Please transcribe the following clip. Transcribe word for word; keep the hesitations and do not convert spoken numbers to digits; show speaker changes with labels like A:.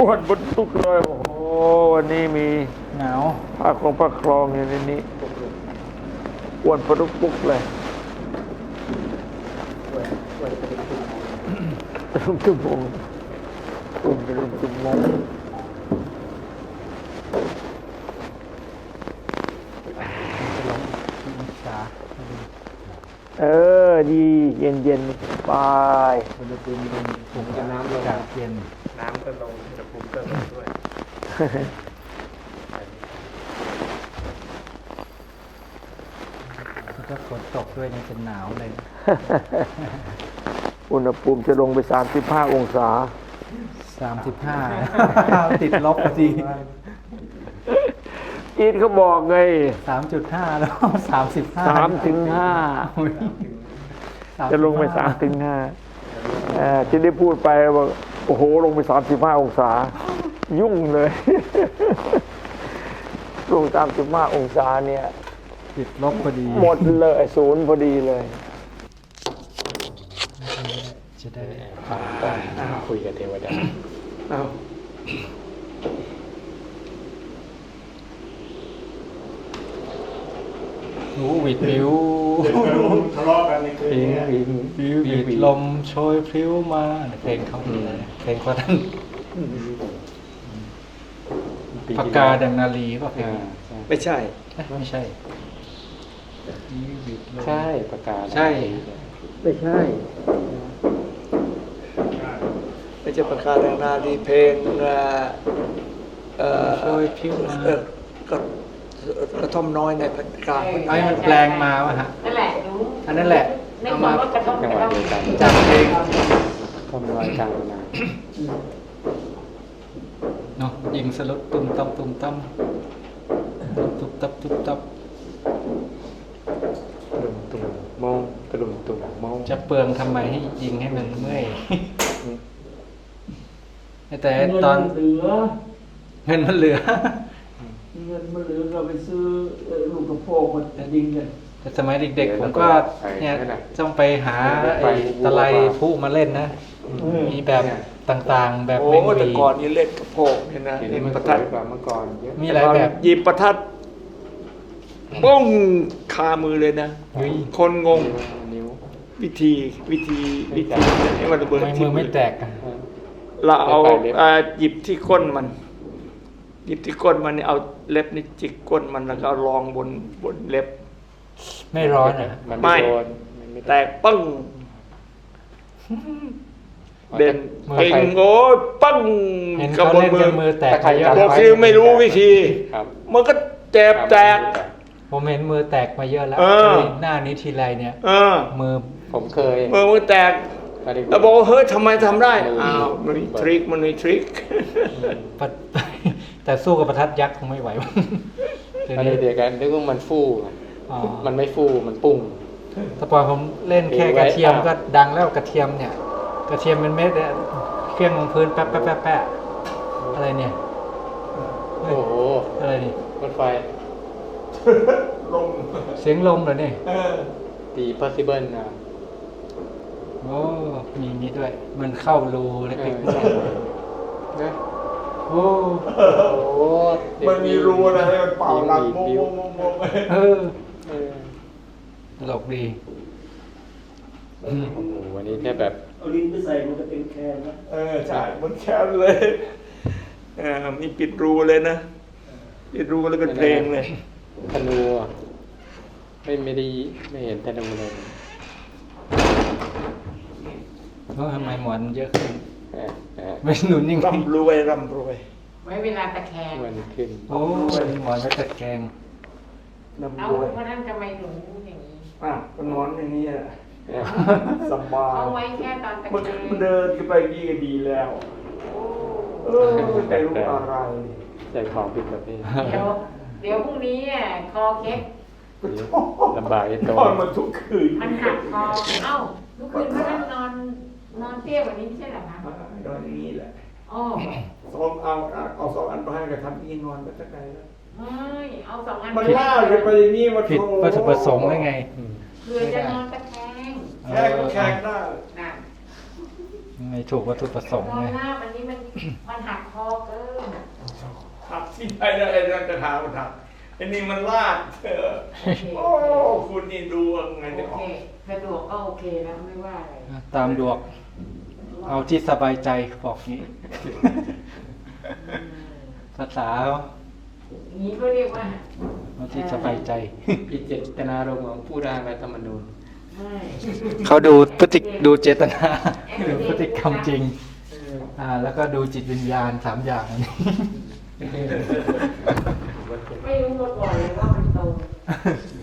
A: อ้วนบนทุกเลยโอ้โหวันนี้มี
B: หนาว
A: ผ้าคลองผ้าคลองอยู่ในนี้อ้วนปลุกปุกเลยรุ่งชั่วโมงอ้วนไปรุ่งชั่วโมงเออดีเย็นเย็นสบาย
B: อุณหภูมิลงผมจะน้ำลงจากเย็น
C: น้ำก็ลงอุณหภูมิก็ลงด้วย
B: ถ้าฝนตกด้วยนี่จะหนาวเลย
A: อุณหภูมิจะลงไปสามสิบห้าองศา
B: สามสิบห้าติดลบพอดี
A: จีนเขาบอกไง
B: สามจุดห้าแล้วสามสิบห้า
A: สามถึงห้าจะลงไปสามถึงห้าที่ได้พูดไปว่าโอ้โหลงไปสามสิบห้าองศายุ่งเลยลงสามสิบห้าองศาเนี่ย
B: ติดลบพอดี
A: หมดเลยศูนย์พอดีเลย
B: จะได้
C: ฟังก่อนคุยกับเทวดาเอา
B: หูวิดวิว
C: ทะเลาะกันในคืนนี้
B: วิววิดลมโชยพลิ้วมาเพลงเขาเพลงเขาท่านปากกาดังนาลีป่ะเพลง
A: ไม่ใช่
B: ไม่ใช่
C: ใช่ปากกา
B: ใช่
A: ไม่ใช่ไม่ใช่ปากกาดังนาลีเพลงเอ่อ
B: โชยพลิ้วมา
A: ก็กระท่อมน้อยในภาคกลาง
B: ไอ้มันแปลงมาวะฮะ
D: นั่นแหละรู้
B: อันนั้นแหละ
D: เอามากระท่อมกระท่อม
B: จากเพลง
C: ทำรอยกลางนา
B: เนาะยิงสลุดตุ้มตั้มตุ้มตั้มตุ้มตับตุ้มตับ
C: ตุ่มตุ่มมองกระดุมตุ่มมอง
B: จะเปลืองทำไมให้ยิงให้มันเมื่อยแต่ตอน
A: เหลือ
B: เงินมันเหลือ
A: เงินมันเหลือเราไปซื้อลูกกระโปงมันยิงเนี่ย
B: แต่สมัยเด็กๆผมก็เนี่ยต้องไปหาไอ้ตะไลผู้มาเล่นนะมีแบบต่างๆแบบ
A: เมงวีแต่ก่อนนี่เล่นกระโปงเนี่ยนะ
C: เล่นประทัดกว่าเมื่อก่อน
B: มีหลายแบบ
A: หยิบประทัดป้องคามือเลยนะคนงงวิธีวิธีวิธีให้มันระเบิด
B: มือไม่แตก
A: เราเอาหยิบที่ก้นมันหยิบที่ก้นมันนี่เอาเล็บนี่จิกก้นมันแล้วก็รองบนบนเล็บ
B: ไม่ร้อนอ่ะ
A: ไม่แตกปึ้งเด่นเก่งโง่ปึ้ง
B: กับบนมือแตก
A: บอกคือไม่รู้วิธีมันก็เจ็บแตก
B: ผมเห็นมือแตกมาเยอะแล้วหน้านี้ทีไรเนี่ยมือ
C: ผมเคย
A: มือมือแตกแล้วบอกเฮ้ยทำไมทำได้อ้าวมันมีทริคมันมีทริค
B: แต่สู้กับประทัดยักษ์คงไม่ไหว
C: อันนี้เดียวกันนึกว่ามันฟูมันไม่ฟูมันปุ้ง
B: แต่พอผมเล่นแค่กระเทียมก็ดังแล้วกระเทียมเนี่ยกระเทียมเป็นเม็ดเนี่ยเครื่องลงพื้นแป๊ะแป๊ะแป๊ะแป๊ะอะไรเนี่ย
C: โอ้โห
B: อะไรนี่
C: รถไฟ
A: ลม
B: เสียงลมเหรอเนี่ย
C: ตี possible นะ
B: โอ้มีนี้ด้วยมันเข้ารูเล็กๆนะโอ้
A: โหมันมีรูอะไรให้มันเป่าหลังโมโมโมโม
B: เออตลกดี
C: โอ้โหวันนี้แค่แบบ
A: เอาลิ้นไปใส่มันก็เป็นแคนนะเออใช่มันแคนเลยเออมีปิดรูเลยนะปิดรูแล้วเป็นเพลงเลย
C: ธนูไม่ไม่ได้ไม่เห็นธนูเลย
B: เพราะทำไมหมอนเยอะขึ้นไม่หนุนยิ่ง
A: ร่ำรวยร่ำรวย
D: ไว้เวลาตะแคง
C: มันขึ้น
B: โอ้ยหมอนไว้ตะแคง
D: เอาเพราะนั้นทำไมถึงอย่างนี้
A: อ่ะก็นอนอย่างนี้แหละสบาย
D: เอาไว้แค่ตอนตะแคง
A: มันเดินไปนี่ก็ดีแล้วเออไม่รู้อะไร
C: ใจของผิดประเภท
D: เดี๋ยวเดี๋ยวพรุ่งนี้อ่ะคอเค้ก
C: ลำบากไอ้ตัวน
A: อนมาทุกคืน
D: มันหักคอเอ้าทุกคืนเพราะนั้นนอนนอนเตี้ยแบบนี้ไม่ใช่เหรอคะ
A: นอนอย่างนี้แหละ
D: อ๋อ
A: สองเอาเอาสองอันไปให้กับทำอีนอนไปสักไหนแล้ว
D: ไม่เอาสองอัน
A: มันล่าจะไปอย่างนี้มา
B: ผิดวัตถุประสงค์ได้ไง
D: เพื่อจะนอนตะแคง
A: แค่ก็แข็งได้
B: ไม่ถูกวัตถุประสงค์
D: นอ
B: ไง
D: นหน้ามันนี่มันมันหักคอเกิน
A: หักที่ไหนแล้วไอ้นั่นจะถามมันหักไอ้นี่มันลาดเออ
D: โอเค
A: โอ้คุณนี่ดูยังไง
D: โอ
A: จะอ
D: เค
A: อก
D: สะดวกก็โอเคแล้วไม่ว่าอะไร
B: ตามดวงเอาที่สบายใจบอกงี้
D: อืม
B: ภาษาเขา
D: อย่างนี้ก็เรียกว่า
B: เอาที่สบายใจ
C: พิเจตนารมณ์ของผู้ร่างรัฐธรรมนูญ
D: ไม่
B: เขาดูพฤติดูเจตนาดูพฤติกรรมจริง อ่า แล้วก็ดูจิตวิญญาณสามอย่างอันนี้
D: ไม่รู้มาก่อนเลยว่ามันตรง